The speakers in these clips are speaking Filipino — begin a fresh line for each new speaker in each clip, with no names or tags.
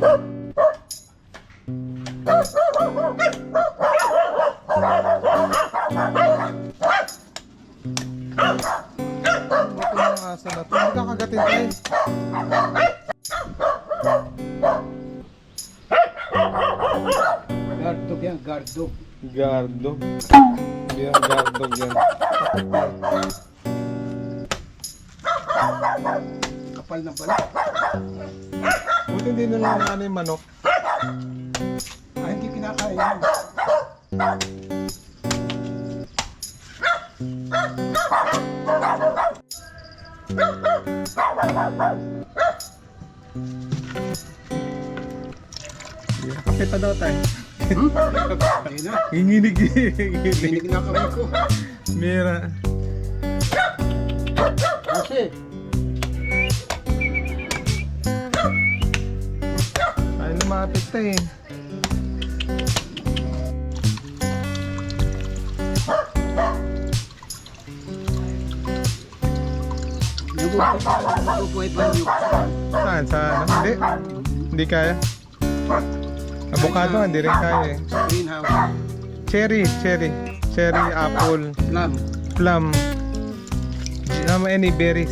Asa na to? Hindi ka kagatin tayo.
Gardog yan, gardog.
Gardog. Hindi yan, gardog yan.
Kapal na pala.
Buti hindi nila na ano yung manok.
Ay, hindi kinakain yan.
Kape pa daw tayo.
Ayun na.
Nginginig.
Hinig na kamay ko.
Mira.
Kasi,
Ay, lumapit tayo eh.
nabubuhay pa yung
Saan? Sa ano? Hindi. Hindi kaya. Avocado, hindi rin kaya eh.
greenhouse.
Cherry, apple,
Plum.
plum, any berries.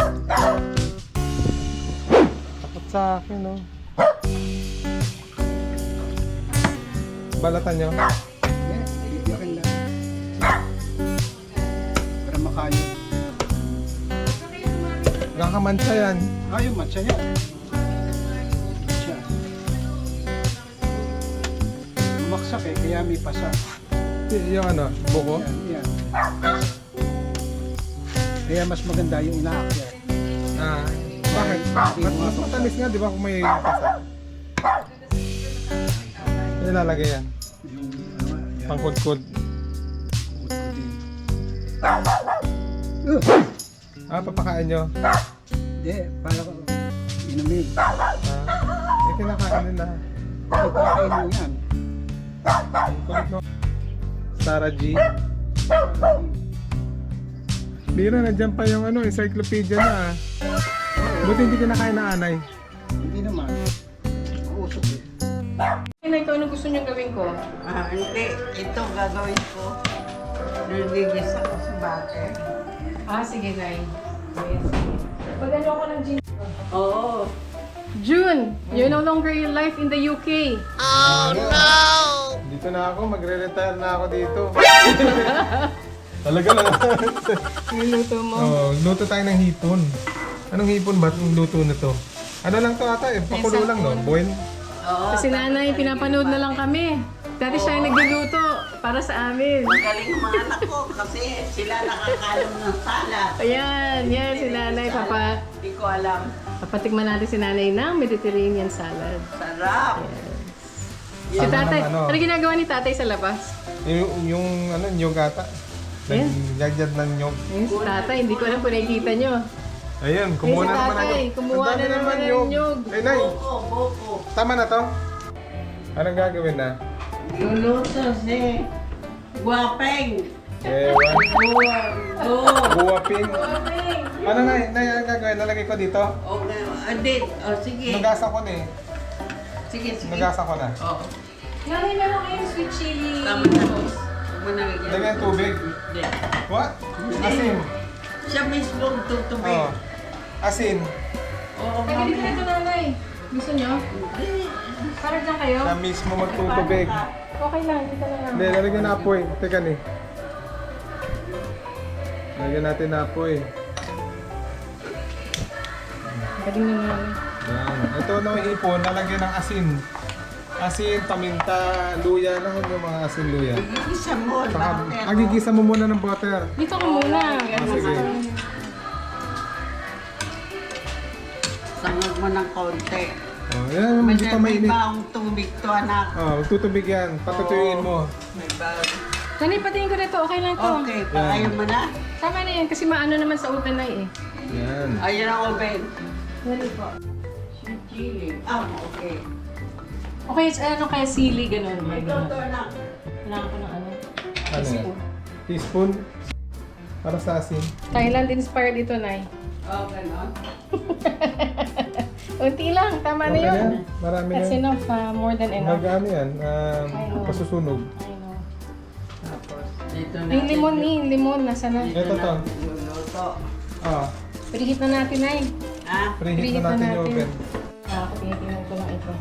Takot sa akin, no? Balatan nyo?
Yan, bibigyan lang. Para makayo.
Nakakamansa yan.
Yung matcha yan. Matcha. Bumaksak eh, kaya may pasa.
Yung ano, buko.
Yan. Kaya mas maganda yung inaakyat.
Ah, bakit? Mas matamis nga, di ba, kung may pasa? Ilalagay yan.
Yung yan.
Pangkudkud. Papakain nyo.
Hindi, para inumin.
Kinakain nila.
Pagkakain mo yan.
Kulit mo. Sarah G. Bira, nandiyan pa yung ano, encyclopedia na. Buti hindi kinakain na anay.
Hindi naman. Mausok eh.
Nay, ito ano gusto niyong gawin ko?
Hindi. Ito gagawin ko. Nagigis ako sa butter.
Sige, Nay. Yes. Pag ano ako ng gin...
Oo.
June, you're no longer in life in the UK.
Dito na ako, magre-retire na ako dito. Talaga lang.
Niluto mo.
Luto tayo ng hipon. Anong hipon ba itong luto na to? Ano lang to ata eh, pakulo lang no? Boil?
Oo.
Kasi nanay, pinapanood na lang kami. Dati siya yung nagluluto para sa amin.
Magaling ang mga anak ko kasi sila nakakalam ng salad.
Ayan, yan si nanay.
Hindi ko alam.
Papatikman natin si nanay ng Mediterranean salad.
Sarap.
Si tatay,
Ano?
ano ginagawa ni tatay sa labas?
Yung ano, nyog ata.
Ayan.
Nagyagyad ng nyog.
Ayun, si tatay, hindi ko alam kung nakikita nyo.
Ayun, kumuha
Ayun, si
na naman
tatay,
ng
kumuha
Ang dami
na naman ng nyog.
Ay, Nay,
Boko.
tama na to? Anong gagawin na?
Luluto si Guapeng.
Ewan. Buwapin. Ano na, Nay, anong gagawin? Lalagay ko dito?
Okay. Adit. Sige.
Nagasa ko na eh.
Sige.
Nagasa ko na.
Oo.
Nanay, meron kayong sweet chili.
Tama na. Huwag mo na
Lagyan tubig.
Hindi.
What? Asin.
Siya mismo tutubig.
Oh. Asin.
Oo,
Pagkili ka ito, nanay. Gusto nyo? Parang dyan kayo?
Siya mismo magtutubig.
Okay lang, dito na lang.
Hindi, lalagyan na apoy. Teka ni. Lagyan natin na apoy.
Galing na nanay.
Yan. Ito na yung ipon, lalagyan ng asin. Asin, paminta, luya. Ano yung mga asin luya?
Igigisa mo.
Saka,
Butter.
gigisa mo muna ng butter.
Dito ka muna.
Sige.
Sangag mo ng konti.
Oh, yan, hindi pa
May
mainit.
baong tubig to, anak.
Oh, tutubig yan. Patutuyuin mo.
May baong.
Nanay, patingin ko na ito. Okay lang to.
Okay, pakayo mo na.
Tama na yan, kasi maano naman sa oven na eh.
Yan.
Ayun ang oven.
Dali po.
Chili. Okay.
Okay, ano kaya sili, ganun.
May toto na.
Kailangan ko ng ano.
Ano yan? Teaspoon. Para sa asin.
Thailand inspired ito, Nay.
Oh, ganon.
Unti lang, tama na
Okay
yun.
na? Marami
That's
na.
enough, more than enough.
Mag-ano yan? Pasusunog.
I know.
Tapos, dito na.
Yung limon ni, limon, nasa na?
Ito to.
Luluto.
Ah,
Preheat na natin, ay.
Ah,
preheat na natin yung oven.
Tinitingnan ko lang ito.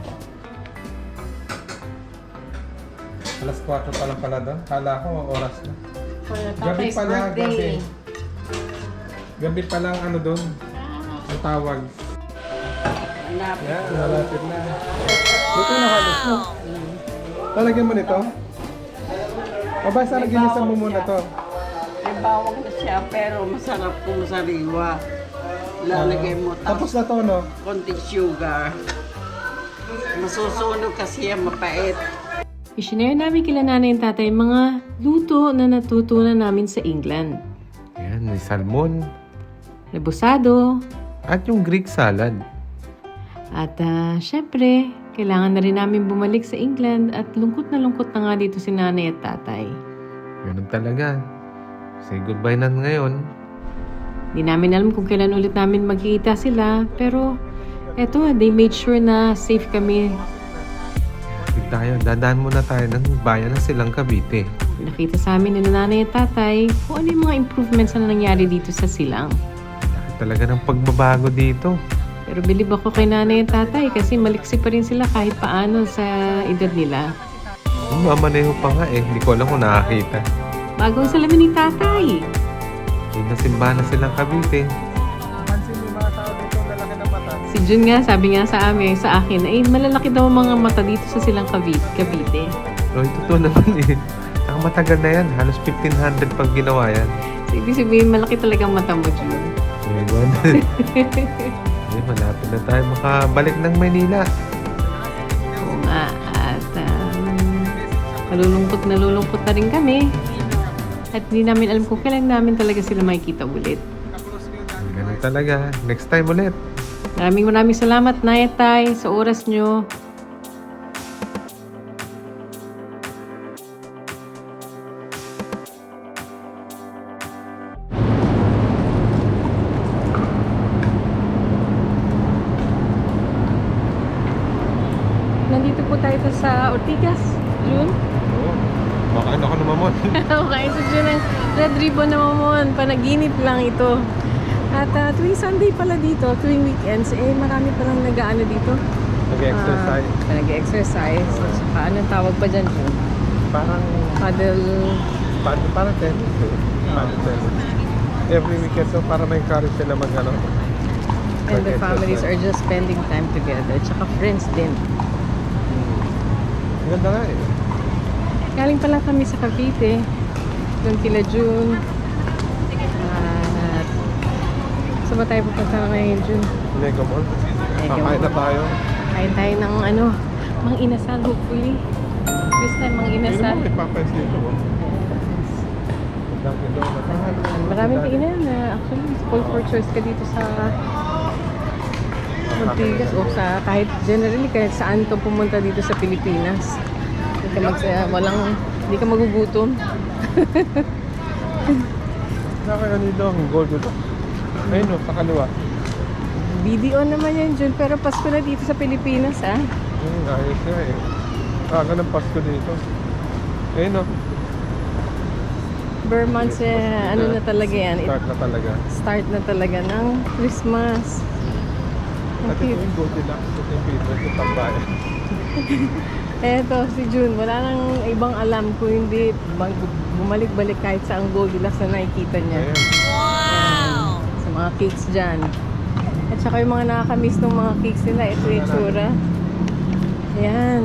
Alas 4 pa lang pala doon. Kala ko oras na.
For
Gabi
Tatay's
pala,
birthday.
Gabi pa lang ano doon. Ang tawag.
hanapin.
Yan, malapit na. Luto na halos no? Lalagyan mo nito? O ba, sana ginisan mo muna to?
May bawang na siya, pero masarap kung sariwa. Lalagay mo
Tapos na to, no?
konting sugar. Masusunog kasi yan, mapait.
I-share namin kila nanay and tatay mga luto na natutunan namin sa England.
Yan, may salmon.
Rebusado.
At yung Greek salad.
At syempre, kailangan na rin namin bumalik sa England at lungkot na nga dito si nanay at tatay.
Ganun talaga. Say goodbye na ngayon.
Di namin alam kung kailan ulit namin magkikita sila, pero eto, they made sure na safe kami.
Dadaan muna tayo ng bayan ng Silang Cavite.
Nakita sa amin ni nanay at tatay kung ano yung mga improvements na nangyari dito sa Silang.
Talaga ng pagbabago dito.
Pero bilib ako kay nanay at tatay kasi maliksi pa rin sila kahit paano sa edad nila.
Mama na yung pa nga eh. Hindi ko alam kung nakakita.
Bagong salamin ni tatay.
Yung nasimbahan na Silang Cavite. Pansin mo yung mga tao dito, lalaki ng mata.
Si Jun nga, sabi nga sa amin, sa akin, ay malalaki daw ang mga mata dito sa Silang Cavite.
So, ito to naman eh. Ang matagal na yan. Halos 1500 pag ginawa yan.
So, ibig sabihin, malaki talagang mata mo, Jun.
Diba? Eh, malapit na tayo makabalik ng Maynila.
Oo nga, at nalulungkot na rin kami. At hindi namin alam kung kailan namin talaga sila makikita ulit.
Ganun talaga. Next time ulit.
Maraming salamat, Nay at Tay, sa oras nyo. Nandito po tayo sa Ortigas, June.
Oo. Baka ano ko namamon.
Okay, so June ang Red Ribbon na mamon. Panaginip lang ito. At tuwing Sunday pala dito, tuwing weekends, marami palang nag-ano dito.
Nag-exercise.
Nag-exercise. So, saka anong tawag pa dyan, June?
Parang,
Paddle.
parang tennis eh. Parang tennis. Every weekend, so para may encourage sila mag-ano.
And the families are just spending time together. Tsaka friends din.
Ang ganda nga eh.
Galing pala kami sa Cavite. Doon kila June. At saan ba tayo pupunta ngayon, June?
Mega Mall.
Mega
Kakain na
Mall.
tayo.
Kain tayo ng mang inasal, hopefully. This time, mang
Hindi
inasal.
naman may Popeyes dito. Oh. Dunkin' Donuts.
Maraming kainan na actually, call for choice ka dito sa Ortigas o sa kahit generally kahit saan to pumunta dito sa Pilipinas. Hindi ka magugutom.
Nakakaya nito ang gold dito. Ayun o, sa kaliwa.
BDO naman yan, Jun, pero Pasko na dito sa Pilipinas, ah.
Ayos nga eh. Kaga ng Pasko dito. Ayun o.
Vermont's, ano na talaga yan.
Start na talaga.
Start na talaga ng Christmas.
At ito yung Goldilocks. Ito yung favorite yung tambayan.
Eto, si June, wala nang ibang alam kung hindi bumalik-balik kahit sa ang Goldilocks na nakikita niya.
Ayan.
Wow! Sa mga cakes dyan. At saka yung mga nakakamiss ng mga cakes nila, ito yung tsura. Ayan.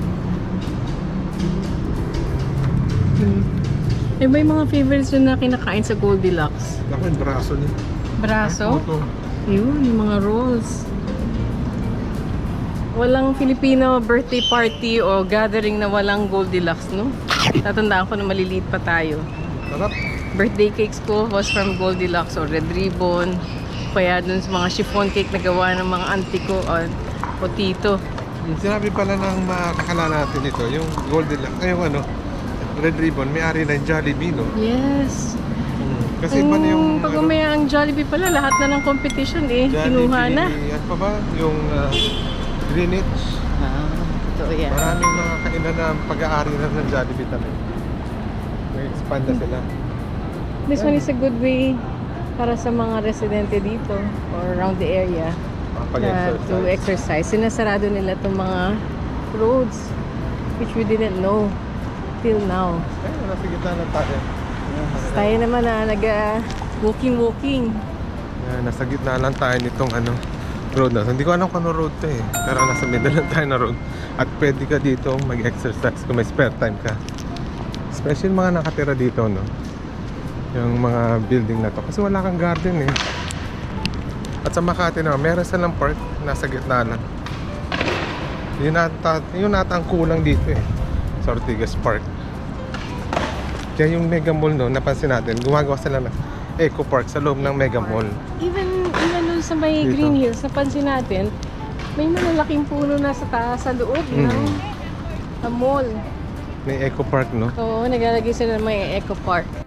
Eh, ba yung mga favorites yun na kinakain sa Goldilocks?
Ako yung braso niya.
Braso?
Ito.
Yun, yung mga rolls. Walang Filipino birthday party o gathering na walang Goldilocks, no? Tatandaan ko na maliliit pa tayo.
Sarap.
Birthday cakes ko was from Goldilocks or Red Ribbon. Kaya dun sa mga chiffon cake na gawa ng mga auntie ko o tito.
Yung sinabi pala ng mga kakala natin ito, yung Goldilocks, yung Red Ribbon, may-ari ng Jollibee, no?
Yes.
Kasi iba na yung...
Pag umaya ang Jollibee pala, lahat na ng competition kinuha na.
Ano pa ba? Yung Greenwich.
Totoo yan.
Maraming mga kainan na pag-aari na ng Jollibee talaga. May expand na sila.
This one is a good way para sa mga residente dito or around the area to exercise. Sinasarado nila itong mga roads which we didn't know till now.
Nasa gitna na tayo.
Tayo naman na walking.
Nasa gitna lang tayo nitong road na. Hindi ko alam kung ano road to eh. Pero nasa middle lang tayo na road. At pwede ka dito mag-exercise kung may spare time ka. Especially mga nakatira dito, no? Yung mga building na to. Kasi wala kang garden eh. At sa Makati naman, meron silang park. Nasa gitna lang. Yun nata ang kulang dito eh. Sa Ortigas Park. Kaya yung Mega Mall no, napansin natin, gumagawa sila ng Eco Park sa loob ng Mega Mall.
Even doon sa may
Dito.
Green Hills, napansin natin, may malalaking puno na sa taas sa loob ng mall.
May Eco Park no.
Oo, naglalagay sila ng may Eco Park.